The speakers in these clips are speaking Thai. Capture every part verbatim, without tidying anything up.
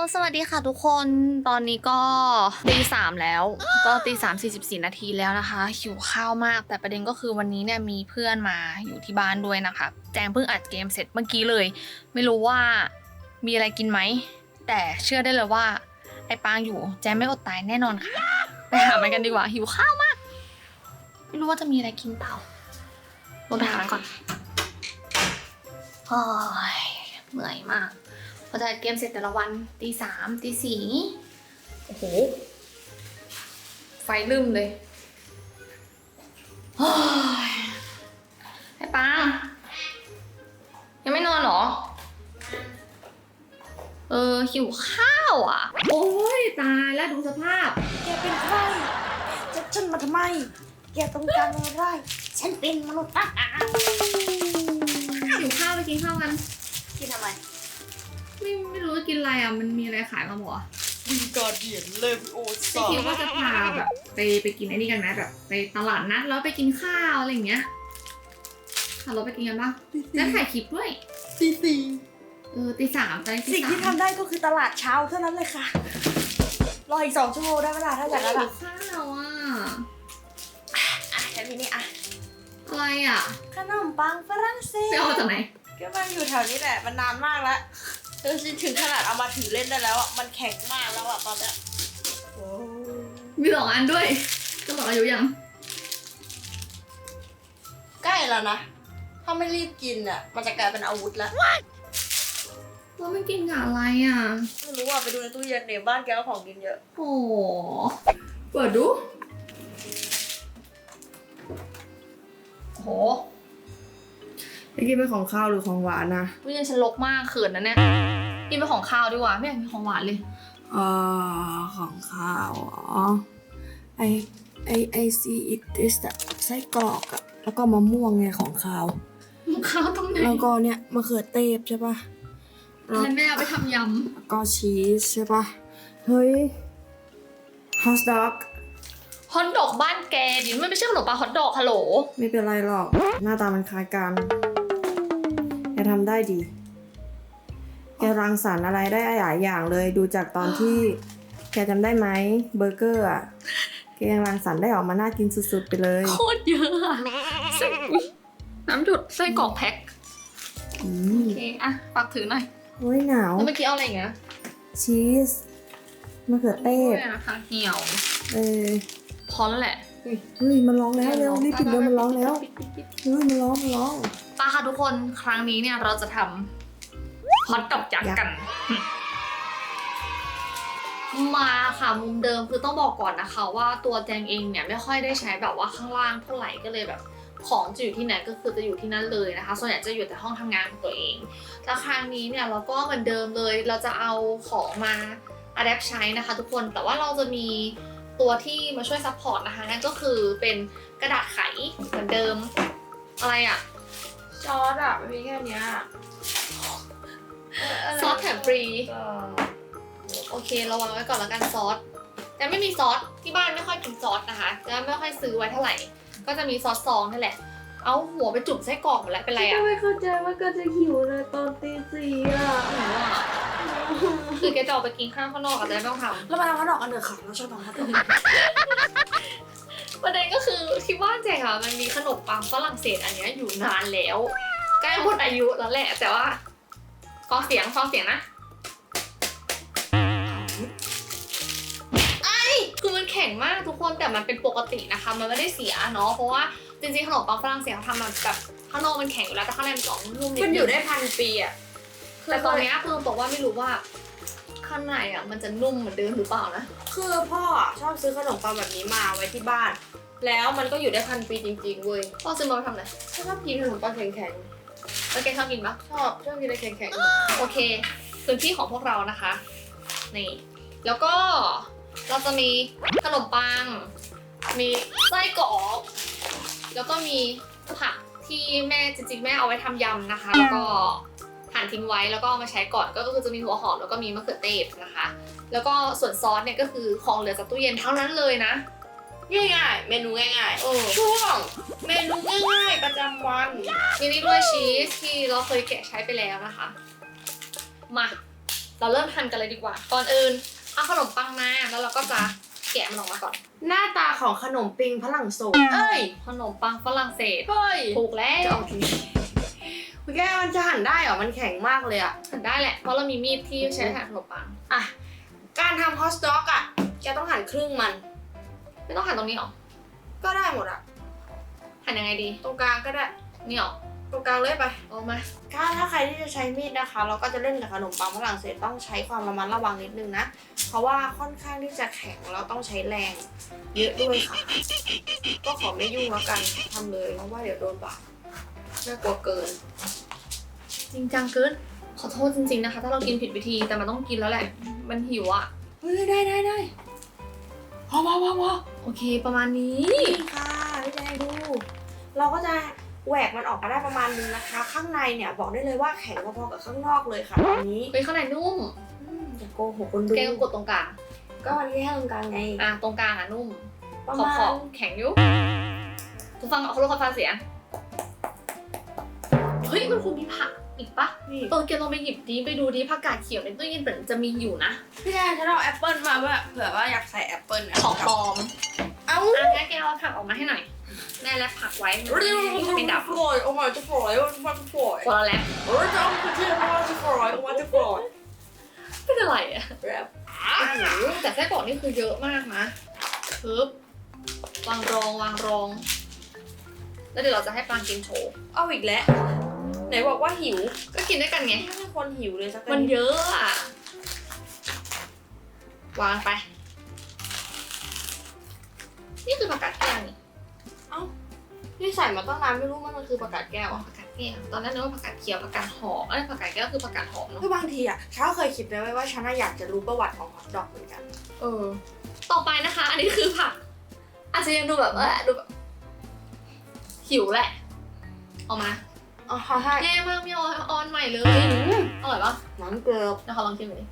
สวัสดีค่ะทุกคนตอนนี้ก็ตีสามแล้วก็ตีสามสี่สิบสี่นาทีแล้วนะคะหิวข้าวมากแต่ประเด็นก็คือวันนี้เนี่ยมีเพื่อนมาอยู่ที่บ้านด้วยนะคะแจงเพิ่งอัดเกมเสร็จเมื่อกี้เลยไม่รู้ว่ามีอะไรกินไหมแต่เชื่อได้เลยว่าไอ้ปางอยู่แจงไม่อดตายแน่นอนค่ะไปหามันกันดีกว่าหิวข้าวมากไม่รู้ว่าจะมีอะไรกินเปล่าลงไปหามันก่อนโอ้ยเหนื่อยมากพอจะเกมเสร็จแต่ละวันตีสามตีสี่โอ้โหไฟลืมเลยโอ้ยไอ้ปังยังไม่นอนเหรอเออหิวข้าวอ่ะโอ้ยตายแล้วดูสภาพแกเป็นใครจะฉันมาทำไมแกต้องการอะไรฉันเป็นมนุษย์อ่ะหิวข้าวไปกินข้าวกันกินทำไมไม่ไม่รู้จะกินอะไรอ่ะมันมีอะไรขายมาหมดวิงการเดียนเลวิโอซาไม่คิดว่าจะพาแบบไปไปกินไอ้นี่กันไหมแบบไปตลาดนัดแล้วไปกินข้าวอะไรอย่างเงี้ยขับรถไปกินกันปะแล้วถ่ายคลิปด้วยตีสี่เออตีสามไปตีสามสิ่งที่ทำได้ก็คือตลาดเช้าเท่านั้นเลยค่ะรออีกสองชั่วโมงได้เวลาถ้าอย่างนั้นอะข้าวอ่ะอ่ะแค่นี้นี่อ่ะอะไรอ่ะขนมปังฝรั่งเศสไปเอาจากไหนก็มันอยู่แถวนี้แหละมันนานมากแล้วเออถึงขนาดเอามาถือเล่นได้แล้วอ่ะมันแข็งมากแล้วอ่ะตอนเนี้ยโอ้มีสองอันด้วยจะหมดอายุยังใกล้แล้วนะถ้าไม่รีบกินอ่ะมันจะกลายเป็นอาวุธแล้วว่าไม่กินกับอะไรอ่ะไม่รู้อ่ะไปดูในตู้เย็นเดี๋ยวบ้านแกก็ของกินเยอะโอ้เปิดดูโหไม่กินเป็นของข้าวหรือของหวานนะวิญญาณฉันลกมากเขินนะเนี่ยกินเป็นของข้าวดีกว่าไม่อยากกินของหวานเลยอ่าของข้าวอ๋อไอไอไอซีอิทอิสไส้กรอกอะแล้วก็มะม่วงไงของข้าวข้าวตรงไหนแล้วก็เนี่ยมะเขือเทศใช่ปะแล้วแม่เอาไปทำยำแล้วก็ชีสใช่ปะเฮ้ยฮอทดอกฮอทดอกบ้านแกดิมันไม่ใช่ขนมปังฮอทดอกฮัลโหลไม่เป็นไรหรอกหน้าตามันคล้ายกันแกทำได้ดีแกรังสรรค์อะไรได้หลายอย่างเลยดูจากตอนที่แกจำได้ไหมเบอร์เกอร์อ่ะแกยังรังสรรค์ได้ออกมาน่ากินสุดๆไปเลยโคตรเยอะอะน้ำหยดไส้กรอกแพ็คโอเคอะฝากถือหน่อยโอ้ยหนาวแล้วเมื่อกี้เอาอะไรอย่างเงี้ยชีสมะเขือเทศนะคะเหี่ยวเออพอแล้วแหละเฮ้ยมันร้องแล้วเร็วรีบปิดเลยมันร้องแล้วเฮ้ยมันร้องมันร้องป้าค่ะทุกคนครั้งนี้เนี่ยเราจะทำฮอทดอกยักษ์กันมาค่ะมุมเดิมคือต้องบอกก่อนนะคะว่าตัวแจงเองเนี่ยไม่ค่อยได้ใช้แบบว่าข้างล่างเท่าไหร่ก็เลยแบบของจะอยู่ที่ไหนก็คือจะอยู่ที่นั่นเลยนะคะส่วนใหญ่จะอยู่แต่ห้องทำงานของตัวเองแต่ครั้งนี้เนี่ยเราก็เหมือนเดิมเลยเราจะเอาของมาอะแดปใช้นะคะทุกคนแต่ว่าเราจะมีตัวที่มาช่วยซัพพอร์ตนะคะนั่นก็คือเป็นกระดาษไขเหมือนเดิมอะไรอะซอสอะมีแค่นี้ซอสแถมฟรีโอเคระวังไว้ก่อนแล้วกันซอสแต่ไม่มีซอสที่บ้านไม่ค่อยกินซอสนะคะจะไม่ค่อยซื้อไว้เท่าไหร่ก็จะมีซอสซองนั่นแหละเอาหัวไปจุ่มไส้กรอกหมดแล้วเป็นไรอ่ะไม่เข้าใจว่าก็จะหิวเลยตอนตีสี่อ่ะคือแกจะออกไปกินข้าวข้างนอกอะไรไม่ต้องทำแล้วมาทำข้าวดอกกันเถอะค่ะเราชอบทำข้าวดอกประเด็นก็คือที่บ้านแจงอ่ะมันมีขนมปังฝรั่งเศสอันนี้อยู่นานแล้วใกล้หมดอายุแล้วแหละแต่ว่าฟังเสียงฟังเสียงนะคือมันแข็งมากทุกคนแต่มันเป็นปกตินะคะมันไม่ได้เสียเนาะเพราะว่าจริงๆขนมปังฝรั่งเศสเขาทำมาแบบข้างนอกมันแข็งอยู่แล้วแต่ข้างในมันกรอบนุ่มนิดมันอยู่ได้พันปีอ่ะแต่ตอนนี้คือบอกว่าไม่รู้ว่าข้างในอ่ะมันจะนุ่มเหมือนเดิมหรือเปล่านะคือพ่อชอบซื้อขนมปังแบบนี้มาไว้ที่บ้านแล้วมันก็อยู่ได้พันปีจริงๆเว้ยพ่อซื้อมาทำอะไรชอบกินขนมปังแข็งๆแล้วแกชอบกินปะชอบชอบกินอะไรแข็งๆโอเคพื้นที่ของพวกเรานะคะนี่แล้วก็เราจะมีขนมปังมีไส้กรอกแล้วก็มีผักที่แม่จริงๆแม่เอาไว้ทำยำนะคะแล้วก็หั่นทิ้งไว้แล้วก็เอามาใช้ก่อนก็คือจะมีหัวหอมแล้วก็มีมะเขือเทศนะคะแล้วก็ส่วนซอสเนี่ยก็คือของเหลือจากตู้เย็นทั้งนั้นเลยนะง่ายๆเมนูง่ายๆช่วงเมนูง่ายๆประจำวันมีนี่ด้วยชีสที่เราเคยแกะใช้ไปแล้วนะคะมาเราเริ่มทำกันเลยดีกว่า ก่อนอื่นเอาขนมปังมาแล้วเราก็จะแกะมันออกมาก่อนหน้าตาของขนมปิงฝรั่งโศสเอ้ยขนมปังฝรั่งเศสเฮ้ยถูกแล้วโอเคคุณแกมันจะหั่นได้เหรอมันแข็งมากเลยอะหั่นได้แหละเพราะเรามีมีดที่ใช้หั่นขนมปังอ่ะการทำฮอตดอกอะแกต้องหั่นครึ่งมันไม่ต้องหั่นตรงนี้หรอก็ได้หมดอะหั่นยังไงดีตรงกลางก็ได้นี่หรอตรงกลางเลยไปเอามาถ้าถ้าใครที่จะใช้มีดนะคะ เราก็จะเล่นกับขนมปังฝรั่งเศสต้องใช้ความระมัดระวังนิดนึงนะเพราะว่าค่อนข้างที่จะแข็งแล้วต้องใช้แรงเยอะด้วยค่ะ ก็ขอไม่ยุ่งแล้วกันทำเลยเพราะว่าเดี๋ยวโดนบาดน่ากลัวเกินจริงจังเกินขอโทษจริงๆนะคะ ถ้าเรากินผิดวิธีแต่มันต้องกินแล้วแหละ มันหิวอ่ะเฮ้ยได้ได้ได้พอพอพอพอโอเคประมาณนี้นี่ค่ะพี่แดงดู เราก็จะแหวกมันออกมาได้ประมาณนึงนะคะ ข้างในเนี่ยบอกได้เลยว่าแข็งพอๆกับข้างนอกเลยค่ะตอนนี้เฮ้ยข้างในนุ่มอืมอย่าโกหกคนดูแกก็กดตรงกลางก็มันแค่ตรงกลางไงอ่ะตรงกลางอ่ะนุ่มประขอบมาขอณบแข็งอยู่ทุกฟังเขารู้เขาฟังเสียงเฮ้ยมันคงมีผักอีกปะนี่เออแกลองไปหยิบดีไปดูดิผักกาดเขียวในตู้เย็นเหมือนจะมีอยู่นะพี่แดงฉันเอาแอปเปิลมาเพื่อเผื่อว่าอยากใส่แอปเปิลของปลอมเอ้าอ่ะงั้นแกเอาผักออกมาให้หน่อยแม่และผักไว้มันเรียกว่าไม่ดับฟลอยออกมาจะฟลอยมันจะฟลอยคนละแล้วเออจะเอาไปที่ออกมาจะฟลอยออกมาจะฟลอยเป็นอะไรอ่ะแบบแต่ไส้กรอกนี่คือเยอะมากนะปึ๊บวางรองวางรอง แล้วเดี๋ยวเราจะให้ปลากินโชว์เอาอีกแล้วไหนบอกว่าหิวก็กินด้วยกันไงไม่ใช่คนหิวเลยสักมันเยอะอ่ะ วางไป นี่คือผักกาดแก้วนี่เอ้านี่ใส่มาตั้งนานไม่รู้ว่ามันคือผักกาดแก้วอ๋ออ่ะผักกาดแก้ว ตอนแรกนึกว่าผักกาดเขียวผักกาดหอมเอ้ยผักกาดแก้วคือผักกาดหอมเนาะคือบางทีอ่ะฉันก็เคยคิดนะว่าฉันอยากจะรู้ประวัติของฮอทดอกเหมือนกันเออ ต่อไปนะคะ อันนี้คือผัก อาจจะยังดูแบบเออดูแบบหิวแหละเอามาอ๋อใช่แย่มากไม่ออนออนใหม่เลยอร่อยปะน้ำเกลือเดี๋ยวขอลองชิมหน่อยดิ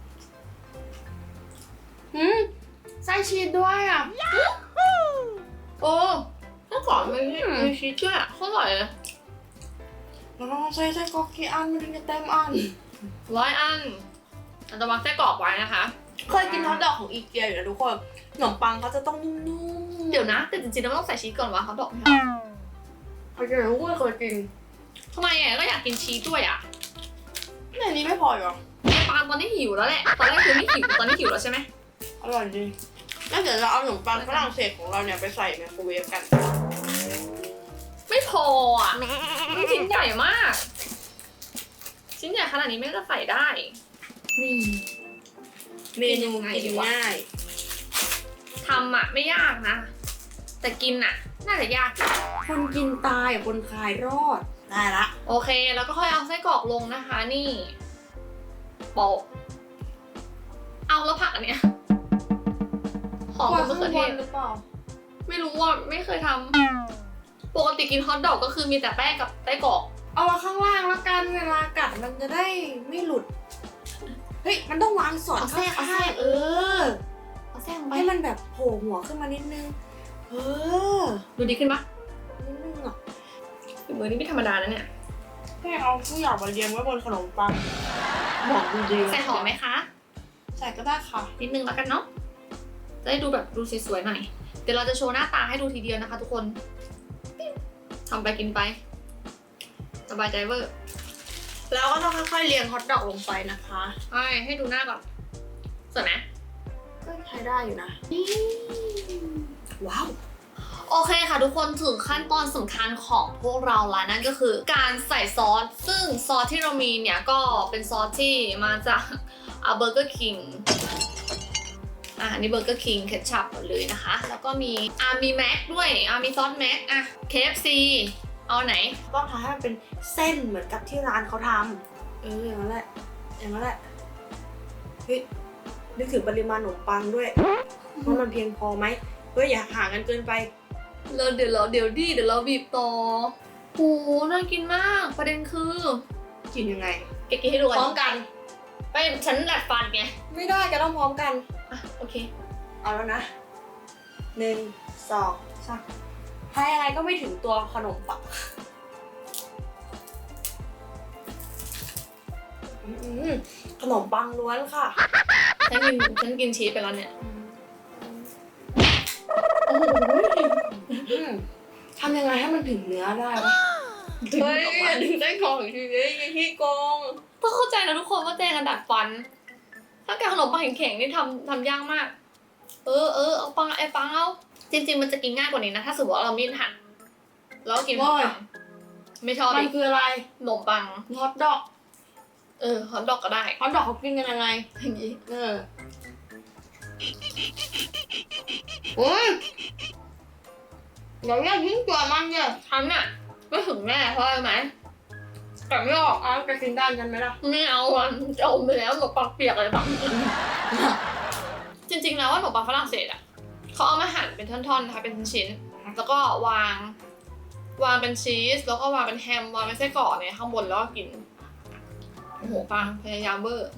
หืมไส้ชีสด้วยอ่ะโอ้ถ้าก่อนไม่มีมีชีสด้วยอะอร่อยเลยเราต้องใช้ไส้กรอกกี่อันมันถึงจะเต็มอันร้อยอันเราจะวางไส้กรอกไว้นะคะเคยกินฮอทดอกของอีเกียอยู่นะทุกคนขนมปังเขาจะต้องนุ่มๆเดี๋ยวนะแต่จริงๆเราไม่ต้องใส่ชีสก่อนวะเขาดอกไม่เอาเคยกินทุกคนเคยกินทำไมอ่ะก็อยากกินชีสด้วยอ่ะในนี้ไม่พอเหรอไอ้ปาล์มตอนนี้หิวแล้วแหละตอนแรกคือไม่หิวตอนนี้หิวแล้วใช่ไหมอร่อยจริงแล้วเดี๋ยวเราเอาขนมปังฝรั่งเศสของเราเนี่ยไปใส่ไมโครเวฟกันไม่พออ่ะมันชิ้นใหญ่มาก ชิ้นใหญ่ขนาดนี้ไม่ก็ใส่ได้นี่เมนูกินง่ายทำอ่ะไม่ยากนะ แต่กินอ่ะ น่าจะยากอยู่คนกินตายคนคลายรอดได้ละโอเคแล้วก็ค่อยเอาไส้กรอกลงนะคะ นี่โปะเอาแล้วผักอันเนี้ยหอมมะเขือเทศหรือเปล่าไม่รู้ว่าไม่เคยทำปกติกินฮอทดอกก็คือมีแต่แป้งกับไส้กรอกเอามาข้างล่างแล้วกันเวลากัดมันจะได้ไม่หลุดเฮ้ยมันต้องวางสอดเอาแทรกเอาแทรกเออเอาแทรกลงไปให้มันแบบโผล่หัวขึ้นมานิดนึงเออดูดีขึ้นปะนิดนึงอ่ะฝีมือนี่ไม่ธรรมดานะเนี่ยแค่เอาผู้อยากมาเรียงไว้บนขนมปังบอกจริงๆใส่หอมไหมคะใส่ก็ได้ค่ะนิดนึงแล้วกันเนาะจะได้ดูแบบดูสวยๆหน่อยเดี๋ยวเราจะโชว์หน้าตาให้ดูทีเดียวนะคะ ทุกคนทำไปกินไปสบายใจเวอร์แล้วก็ต้องค่อยๆเรียงฮอทดอกลงไปนะคะใช่ให้ดูหน้าก่อนสวยไหมก็ใช้ได้อยู่นะว้าวโอเคค่ะทุกคนถึงขั้นตอนสำคัญของพวกเราแล้วนั่นก็คือการใส่ซอสซึ่งซอสที่เรามีเนี่ยก็เป็นซอสที่มาจากอ่าเบอร์เกอร์คิงอ่ะอันนี้เบอร์เกอร์คิงเคชัพหมดเลยนะคะ แล้วก็มีอ่ามีแม็กด้วยอ่ามีซอสแม็กอ่ะ เค เอฟ ซี เอาไหนต้องทำให้มันเป็นเส้นเหมือนกับที่ร้านเขาทำเอออย่างนั้นแหละอย่างนั้นแหละเฮ้ยนึกถึงปริมาณขนมปังด้วยว่ามันเพียงพอไหมเฮ้ยอย่าห่างกันเกินไปเราเดี๋ยวเราเดี๋ยวดิเดี๋ยวเราบีบต่อโหน่ากินมากประเด็นคือกินยังไงเก๊กๆให้ดูพกันร้อมกันไปฉันดัดฟันไงไม่ได้จะต้องพร้อมกันอ่ะโอเคเอาแล้วนะหนึ่งสองสามให้ยังไงก็ไม่ถึงตัวขนมปังอืมขนมปังล้วนค่ะฉันกินฉันกินชีสไปแล้วเนี่ยอืมทำยังไงให้มันถึงเนื้อได้วะเฮ้ยอย่าดึงได้กองอีกทีเลยอย่าขี้โกงต้องเข้าใจนะทุกคนว่าแจงกระดัดฟัน ถ้าแกขนมปังแข็งๆนี่ทำทำยากมาก เออเออเอาปังไอ้ปังเอาจริงๆมันจะกินง่ายกว่านี้นะถ้าสมมติว่าเรามีดหั่นแล้วกินขนมปังไม่ชอบมันอีกคืออะไรขนมปังฮอทดอกเออฮอทดอกก็ได้ฮอทดอกเขากินกันยังไงอย่างนี้เอออุ้ยเดี๋ยวอย่าทิ้งตัวมันเนี่ยฉันน่ะไม่ถึงแม่เพราะอะไรไหมแต่ไม่ออกเอาไปกินได้กันไหมล่ะไม่เอาอ่ะจะอมไปแล้วขนมปังเปียกเลยปังจริงๆแล้วว่าขนมปังฝรั่งเศสอ่ะเขาเอามาหั่นเป็นท่อนๆนะคะเป็นชิ้นๆแล้วก็วาง วางเป็นชีสแล้วก็วางเป็นแฮมวางเป็นไส้กรอกเนี่ยข้างบนแล้วก็กินโอ้โหปังพยายามเบอร์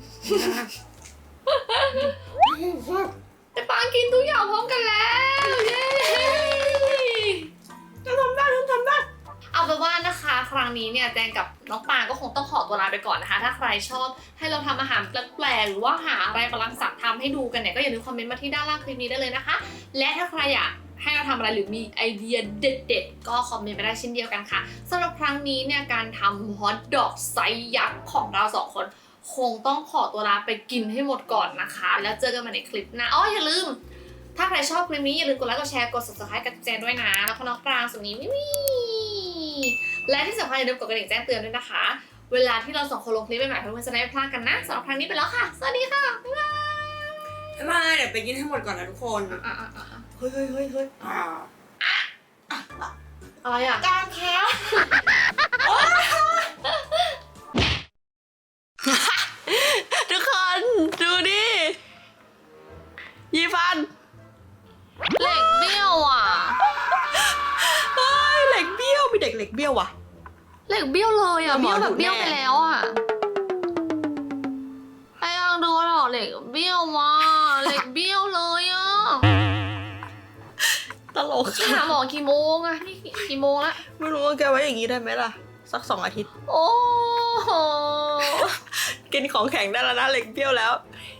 แต่ปังกินทุกอย่างพร้อมกันแล้วเย้จะทำได้ทำได้เอาเป็นว่านะคะครั้งนี้เนี่ยแจงกับน้องปางก็คงต้องขอตัวลาไปก่อนนะคะ ถ้าใครชอบให้เราทำอาหารแปลกๆหรือว่าหาอะไรกำลังสั่งทำให้ดูกันเนี่ยก็อย่าลืมคอมเมนต์มาที่ด้านล่างคลิปนี้ได้เลยนะคะ และถ้าใครอยากให้เราทำอะไรหรือมีไอเดียเด็ดๆก็คอมเมนต์ไปได้เช่นเดียวกันค่ะสำหรับครั้งนี้เนี่ยการทำฮอทดอกไซส์ยักษ์ของเราสองคนคงต้องขอตัวลาไปกินให้หมดก่อนนะคะ แล้วเจอกันใหม่ในคลิปหน้าอ๋ออย่าลืมถ้าใครชอบคลิปนี้อย่าลืมกดไลค์กดแชร์กด ซับสไครบ์ กับแจงด้วยนะแล้วก็น้องปรางสุดนี้วิวและที่สำคัญอย่าลืมกดกระดิ่งแจ้งเตือนด้วยนะคะเวลาที่เราสองคนลงคลิปใหม่ๆเพื่อนๆจะได้ไม่พลาดกันนะสำหรับครั้งนี้ไปแล้วค่ะสวัสดีค่ะบ๊ายบายบ๊ายบายเดี๋ยวไปกินให้หมดก่อนนะทุกคนอ่ะอ่ะอ่ะอ่ะเฮ้ยเฮ้ยเฮ้ยเฮ้ยอ่าอะไรอ่ะการค้า ทุกคนดูดิยี่ฟันเหล็กเบี้ยวอ่ะเฮ้ยเหล็กเบี้ยวมีเด็กเหล็กเบี้ยวว่ะเหล็กเบี้ยวเลยอ่ะหมเบี้อยวแบบดูแน่เบี้ยวไปแล้วอ่ะไอ้ยังดูหรอเหล็กเบี้ยวว่ะเหล็กเบี้ยวเลยอ่ะตลกไปหาหมอกี่โมงอ่ะนี่กี่โมงละไม่รู้ว่าแกไว้อย่างนี้ได้ไหมล่ะ สักสองอาทิตย์โอ้โหกินของแข็งได้แล้วนะเหล็กเบี้ยวแล้ว